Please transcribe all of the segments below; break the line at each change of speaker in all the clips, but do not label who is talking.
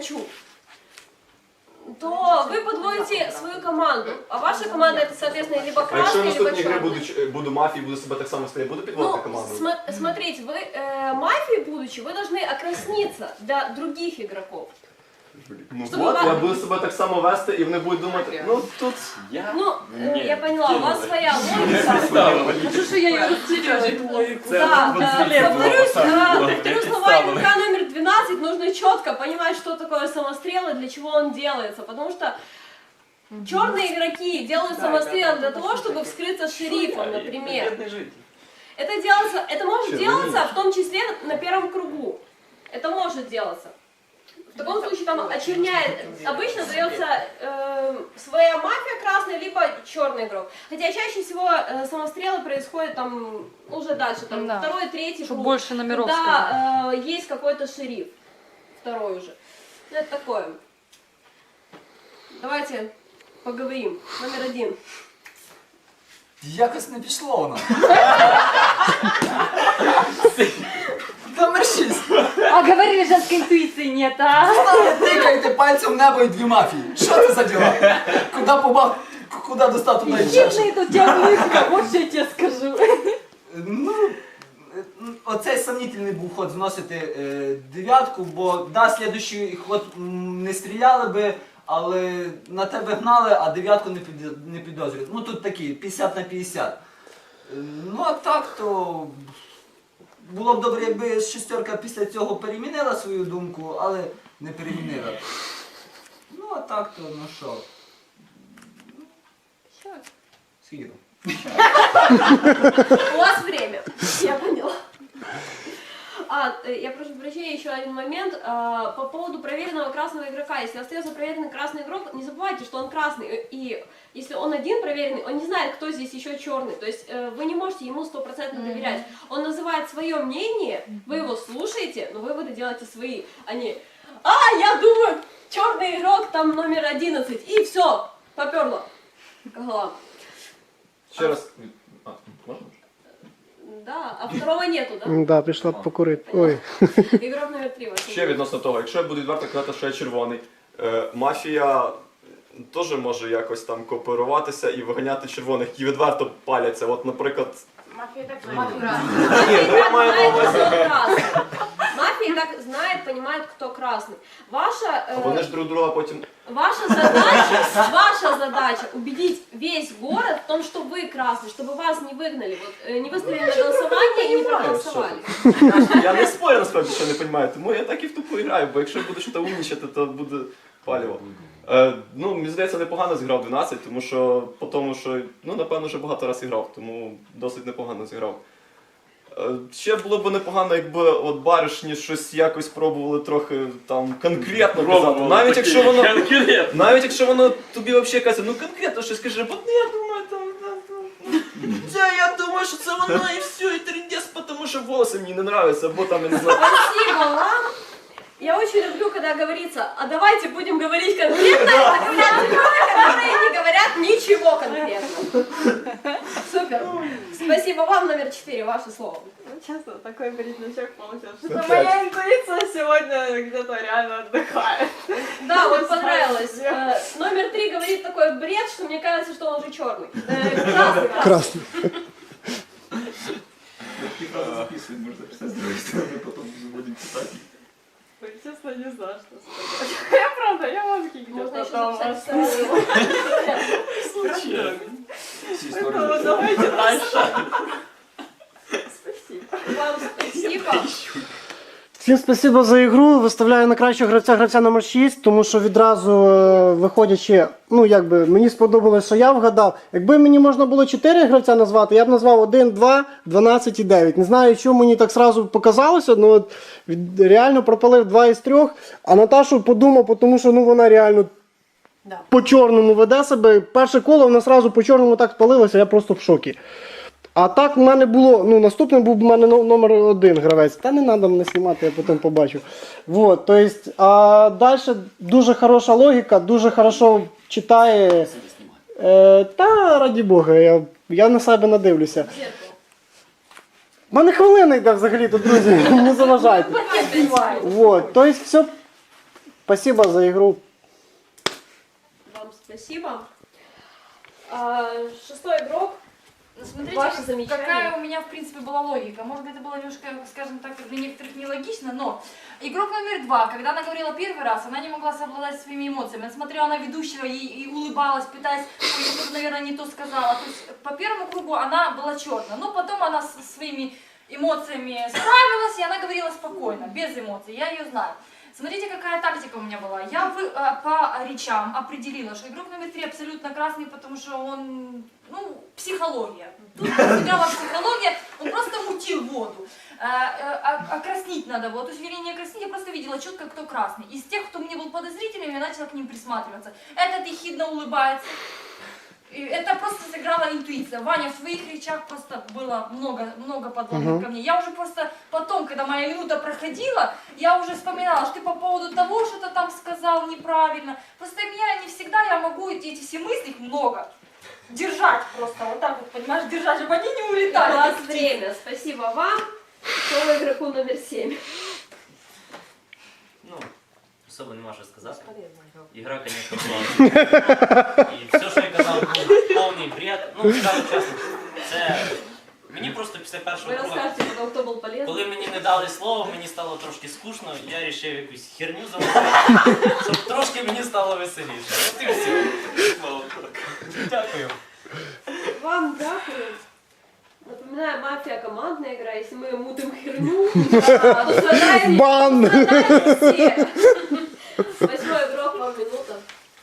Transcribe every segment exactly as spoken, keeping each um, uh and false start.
хочу, то вы подводите свою команду. А ваша команда это, соответственно, либо
А якщо
красный,
я
либо
наступній грі буду,
черный.
ч- буду мафією, буду себе так само стріляти, буду підводити
Ну,
команду?
см- смотрите, вы э, мафией будучи, вы должны окрасниться для других игроков.
Ну
Щоб
от,
вам-
я буду себе так само вести, і вони будуть думати, ну тут...
Я?
Ну, э, я поняла, у вас своя логика.
Хорошо, что я ее растеряла, эту логику.
Да, э, повторюсь, э,
было.
повторю слова игрока номер двенадцать, нужно четко понимать, что такое самострел и для чего он делается, потому что черные игроки делают самострел для того, чтобы вскрыться шерифом, например.
Бедный житель.
Это делается, это может
Черный
делаться
меч.
в том числе на первом кругу. Это может делаться. В таком случае там очерняет, обычно дается э, своя мафия красная, либо черный игрок. Хотя чаще всего э, самострелы происходят там уже дальше, там
Да.
второй, третий
Чтобы
круг.
больше номеров сказать.
Да, э, есть какой-то шериф, второй уже. Ну, это такое. Давайте поговорим. Номер один.
Якось не пішло воно. Номер шість.
А говорили, женской интуиции нет, а?
Тикаєте пальцем в небо і дві мафії. Що це за діла? Куди побав, куди достав, туди і чеш.
Хитный тут диагностика, вот что я тебе скажу.
Ну, е, оцей сомнительний був ход зносити е, дев'ятку, бо да, слідуючий ход м, не стріляли би, але на тебе гнали, а дев'ятку не, під, не підозрюють. Ну тут такі, п'ятдесят на п'ятдесят. Е, Ну а так то було б добре, якби шестерка після цього перемінила свою думку, але не перемінила. Ну а так то, ну що. Скільки там?
У вас время. Я поняла. А, э, я прошу прощения, еще один момент. А, по поводу проверенного красного игрока. Если остается проверенный красный игрок, не забывайте, что он красный. И если он один проверенный, он не знает, кто здесь еще черный. То есть э, вы не можете ему стопроцентно доверять. Он называет свое мнение, вы его слушаете, но выводы делаете свои. А не, а, я думаю, черный игрок там номер одиннадцать. И все, поперло. Голова.
Ще раз... А, можна?
Да, а второго нету, да?
Да, пішла покурити. Ой.
Игрок номер три. ваше
Ще відносно того, якщо я буду відверто казати, що я червоний, е, мафія теж може якось там кооперуватися і виганяти червоних, які відверто паляться. От, наприклад...
Мафия так
Ні, ну я маю на увазі...
Мафия и так знает, понимает, кто красный. Ваша,
А
э,
вони ж друг друга потім...
ваша задача, ваша задача убедить весь город в том, что вы красный, чтобы вас не выгнали, вот, э, не выставили на голосование и не проголосовали.
Я не спорю, насправді, що не розумію, тому я так і в тупу граю, бо якщо я буду щось умнічати, то буде паліво. Е, ну, мені здається, непогано зіграв дванадцять, тому що, по тому, що, ну, напевно, вже багато разів грав, тому досить непогано зіграв. Е, ще було б непогано, якби от баришні щось якось пробували трохи там конкретно казати. Навіть якщо воно, навіть якщо воно тобі взагалі каже, ну конкретно щось каже, бо ну, я думаю, там, да, я думаю, що це воно і все, і трендець, тому що волоси мені не нравятся, або там, я не знаю.
Спасибо вам. Я очень люблю, когда говорится, а давайте будем говорить конкретно, а говорят люди, которые не говорят ничего конкретно. Супер. Спасибо вам, номер четыре, ваше слово.
Ну, честно, такой бреднячок получился. Что моя интуиция сегодня где-то реально отдыхает.
Да, вот понравилось. Э, номер три говорит такой бред, что мне кажется, что он уже черный. Э, красный.
Красний.
Такие фразы записывать, можно записать с другой стороны, потом будем читать.
Ой, честно, не знаю, что сказать. Я правда, я мозги
Можно
где-то
еще
там
записать
оставила.
Случайно. Все истории
Поэтому
записывать.
давайте дальше. Спасибо.
Вам спасибо.
Всім спасибо за ігру. Виставляю на кращого гравця гравця номер шість, тому що відразу е, виходячи, ну якби мені сподобалось, що я вгадав. Якби мені можна було чотири гравця назвати, я б назвав один, два, дванадцять і дев'ять. Не знаю, чому мені так сразу показалося, ну от від- реально пропалив два із трьох, а Наташу подумав, тому що ну вона реально
Да.
по чорному веде себе. Перше коло вона сразу по чорному так спалилася, я просто в шокі. А так в мене було, ну наступний був в мене но- номер один гравець. Та не треба мене знімати, я потім побачу. Вот, то есть, а далі дуже хороша логіка, дуже хорошо читає. Е, та раді Бога, я, я на себе надивлюся.
Зеркало.
У мене хвилина йде взагалі тут, друзі, не заважайте. Вот, то есть все Спасибо за игру.
Вам спасибо. А, шестой игрок.
Ну, смотрите,
Ваши
как-
замечания?
какая у меня, в принципе, была логика. Может, это было немножко, скажем так, для некоторых нелогично, но игрок номер два, когда она говорила первый раз, она не могла совладать своими эмоциями. Она смотрела на ведущего и, и улыбалась, пытаясь, ой, я что-то, наверное, не то сказала. То есть по первому кругу она была черная, но потом она со своими эмоциями справилась, и она говорила спокойно, без эмоций, я ее знаю. Смотрите, какая тактика у меня была. Я вы, э, по речам определила, что игрок номер три абсолютно красный, потому что он, ну, психология. Тут сыграла психология, он просто мутил воду. Э, э, окраснить надо было, то есть, вернее, не окраснить, я просто видела четко, кто красный. Из тех, кто мне был подозрительным, я начала к ним присматриваться. Этот ехидно улыбается. И это просто сыграла интуиция. Ваня, в своих речах просто было много, много подводных
Мгм.
камней. Я уже просто потом, когда моя минута проходила, я уже вспоминала, что ты по поводу того, что-то там сказал неправильно. Просто меня не всегда я могу эти, эти все мысли, их много, держать просто, вот так вот, понимаешь, держать, чтобы они не
У
улетали.
вас время. Спасибо вам. Слово игроку номер семь.
Ну, особо нема що сказати. Ігра, звісно, класна. І все, що я казав, був повний бред. Ну, скажу чесно, це мені просто після першого
Вы
круга,
расскажете потом, кто был полезный.
коли мені не дали слово, мені стало трошки скучно, я вирішив якусь херню замовити, щоб трошки мені стало веселіше. От і все. Дякую.
Вам дякую. Напоминаю, мафия командная игра. Если мы мутим херню, а, то страдаем
Бан!
страдаем все. Восьмой игрок, вам минута.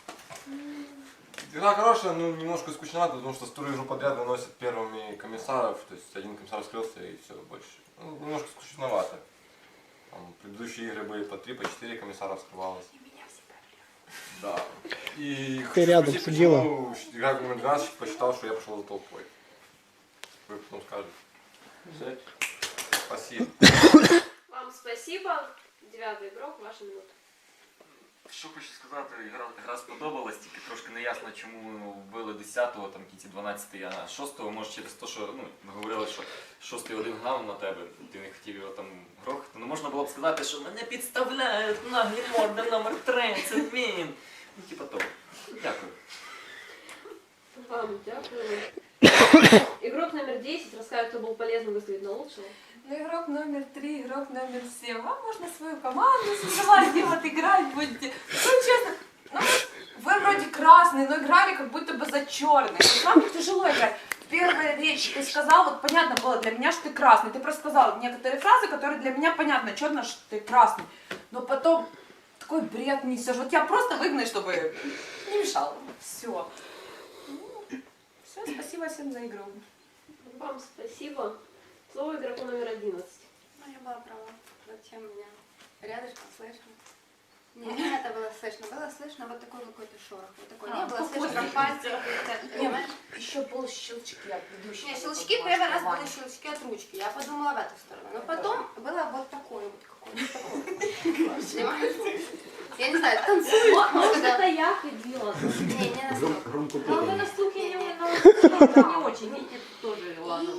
Игра хорошая, но немножко скучновато, потому что вторую игру подряд выносят первыми комиссаров, то есть один комиссар скрылся и все, больше. Ну, немножко скучновато. Там, предыдущие игры были по три, по четыре комиссара вскрывалось. Да. И
Ты рядом
спросить,
сидела.
почему игрок номер двенадцать посчитал, что я пошел за толпой. Вы потом скажете. Спасибо.
Вам спасибо. Девятый игрок, ваша минута.
Що хочу сказати, гра, гра сподобалась, тільки трошки неясно, чому вбили десятого, там кінці дванадцятий, а шостого, може через те, що ну, ми говорили, що шостий один гнав на тебе, ти не хотів його там грохати. Ну можна було б сказати, що мене підставляють наглі морди номер три, це він. Ну типа того. Дякую.
Вам дякую. Игрок номер десять расскажет, кто был полезным, выставить на лучшего.
Ну, игрок номер три, игрок номер семь. Вам можно свою команду создавать, и вот играть будете. Ну, честно, ну, вы вроде красные, но играли как будто бы за черных. Вам тяжело играть. Первая речь ты сказал, вот понятно было для меня, что ты красный. Ты просто сказал некоторые фразы, которые для меня понятно, черно, что ты красный. Но потом такой бред несешь. Вот я просто выгнаю, чтобы не мешал. Все. Все, спасибо всем за игру.
Вам спасибо. Слово игроку номер одиннадцать.
Ну, я была права. Зачем меня рядышком слышно? Не, не это было слышно. Было слышно вот такой какой-то шорох. Вот такой.
А,
Не было
похоже.
слышно, как пальцы какие-то, понимаешь?
Еще был щелчки от ведущего.
Не, щелчки первый раз были щелчки от ручки. Я подумала в эту сторону. Но потом было вот такое вот какое-то такое. Понимаешь? Я не знаю, танцует.
Может,
может, да.
это я ходила?
Не, не настолько.
Ну, вы на слух я не, на слух не очень, видите, тоже ладно.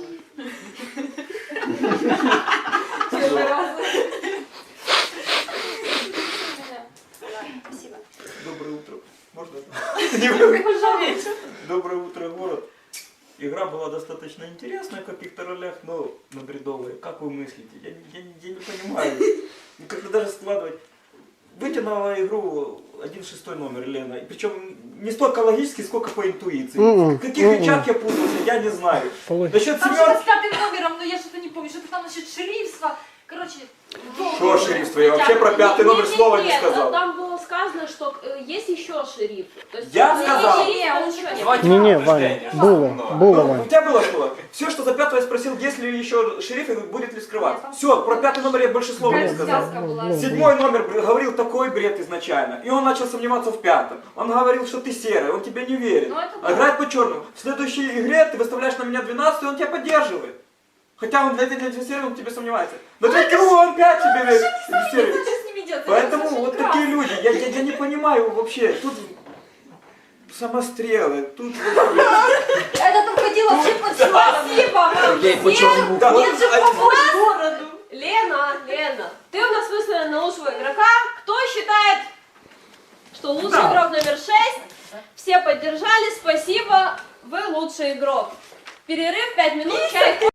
Первый раз.
Спасибо.
Доброе утро. Можно? Доброе утро, город. Игра была достаточно интересная в каких-то ролях, но на бредовые. Как вы мыслите? Я, не- я, не- я не понимаю. Ну, как-то даже складывать. Вытянула игру один шестой номер, Лена. И причем не столько логически, сколько по интуиции.
Мгм.
В каких
Мгм.
речах я путался, я не знаю.
Полы.
Насчет
Там что-то
семерки.
с пятым номером, но я что-то не помню, что-то там насчет шерифства. Короче,
Что шерифство? Я вообще про пятый номер слова не
Нет,
сказал.
там было сказано, что э, есть еще шериф. То есть,
Я
э,
сказал.
шериф, он ничего не
Давайте
Не-не,
подтверждение,
Ваня, было,
что-
было,
Ну, у
Ваня.
тебя было что? Все, что за пятого я спросил, есть ли еще шериф и будет ли скрываться. Все, про пятый номер я больше слова не сказал.
связка была.
Было.
Седьмой номер бр- говорил такой бред изначально. И он начал сомневаться в пятом. Он говорил, что ты серый, он тебе не верит.
Ну, это
А
да.
играет по черному. В следующей игре ты выставляешь на меня двенадцать, и он тебя поддерживает. Хотя он для для для серый, он тебе сомневается. Но для кого он пять тебе верит? Серый.
что с ними делать?
Поэтому
Это
вот
совершенно
такие люди. Я, я, я не понимаю вообще. Тут самострелы, тут...
Это там ходило вообще под черным.
Спасибо вам.
Окей, по черному.
Да,
Нет же
а-
по городу.
Лена, Лена, ты у нас выставлена на лучшего игрока. Кто считает что лучший
Да.
игрок номер шесть. Все поддержали, спасибо, вы лучший игрок. Перерыв пять минут, чай.